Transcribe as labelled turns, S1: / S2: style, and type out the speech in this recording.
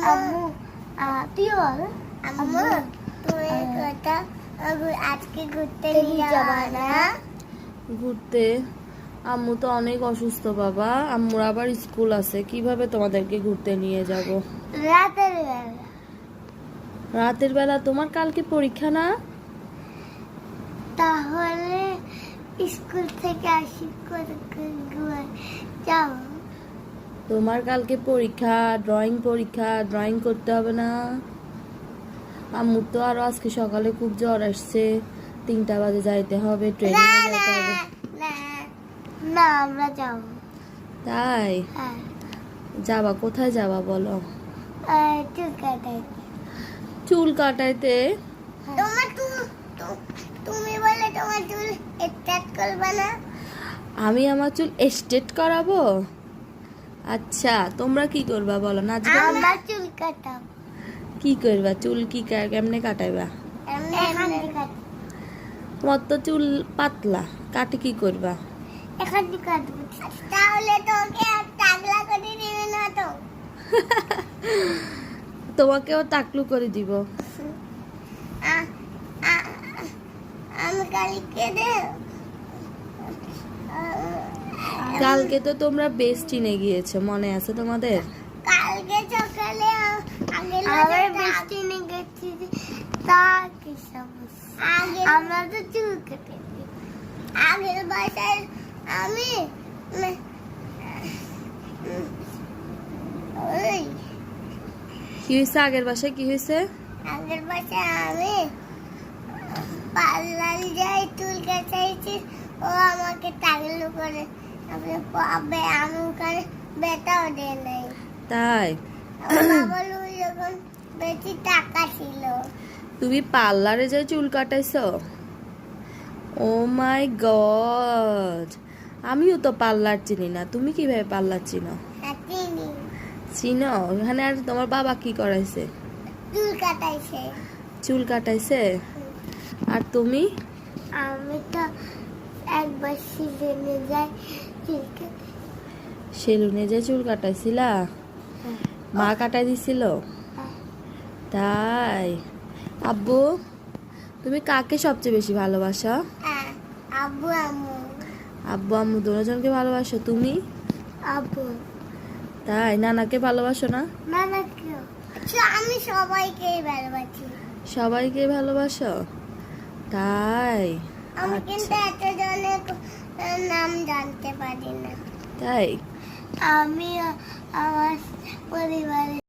S1: আম্মু তুই বল আম্মু তুমি কথা আজকে ঘুরতে নিয়ে যাবা না?
S2: ঘুরতে? আম্মু তো অনেক অসুস্থ বাবা, আম্মুর আবার স্কুল আছে, কিভাবে তোমাদেরকে ঘুরতে নিয়ে যাব?
S1: রাতের বেলা।
S2: রাতের বেলা? তোমার কালকে পরীক্ষা না?
S1: তাহলে স্কুল থেকে আসি করে যাও।
S2: তোমার কালকে পরীক্ষা, ড্রয়িং করতে হবে না? আম্মুর তো আরো আজকে সকালে খুব জ্বর আসছে, 3টা বাজে যাইতে হবে, ট্রেনিং এ যেতে হবে।
S1: না আমরা যাব।
S2: তাই?
S1: হ্যাঁ।
S2: যাবা কোথায় যাবা বলো?
S1: চুল কাটাই।
S2: চুল কাটাইতে?
S1: তুমি বলে তোমার চুল স্ট্রেট করবে না?
S2: আমি আমার চুল স্ট্রেট করাবো? আচ্ছা, তোমরা কি করবা বলো? নাচবা?
S1: আমরা চুল কাটাব।
S2: কি করবা? চুল কি কেমনে কাটাইবা?
S1: এখানে কাট।
S2: তোমার তো চুল পাতলা, কাটে কি করবা?
S1: এখানে কাটব। তাহলে তোকে আর টাকলা করে দিবে না তো?
S2: তোমাকেও টাকলু করে দিব।
S1: আমি কালকে
S2: কালকে তো তোমরা বেস্টিনে গিয়েছো, মনে আছে তোমাদের?
S1: কালকে সকালে আবার বৃষ্টি নিয়ে গেছি। তা কি সমস্যা? আমরা তো চুল কেটে আগের বাসায় আমি ওই
S2: কি হয়েছে? আগের বাসায় কি হয়েছে?
S1: আগের বাসায় আমি পার্লার যাই চুল কাটাইছি, ও আমাকে টাকলু করে আমি ওখানে বেটাও দেয় নাই।
S2: তাই?
S1: বলু যখন বেশি টাকা ছিল।
S2: তুমি পার্লারে যাই চুল কাটাইছো? ও মাই গড, আমিও তো পার্লার চিনি না, তুমি কিভাবে পার্লার চিনো? চিনো? ওখানে আর তোমার বাবা কি করাইছে?
S1: চুল কাটাইছে।
S2: চুল কাটাইছে? আর তুমি?
S1: আমি তো একবার সেলুনে যাই চুল কাটাই।
S2: সেলুনে যে চুল কাটাইছিলা? মা কাটাই দিছিল? তাই? আব্বু, তুমি কাকে সবচেয়ে বেশি ভালোবাসো?
S1: আব্বু আম্মু।
S2: আব্বু আম্মু দুজনকে ভালোবাসো? তুমি?
S1: আব্বু।
S2: তাই? নানাকে ভালোবাসো না?
S1: নানা কেউ? আমি সবাইকেই ভালোবাসি।
S2: সবাইকে ভালোবাসো? তাই?
S1: আমি কিন্তু এতজনের নাম জানতে পারি না।
S2: তাই?
S1: আমি আমার পরিবারের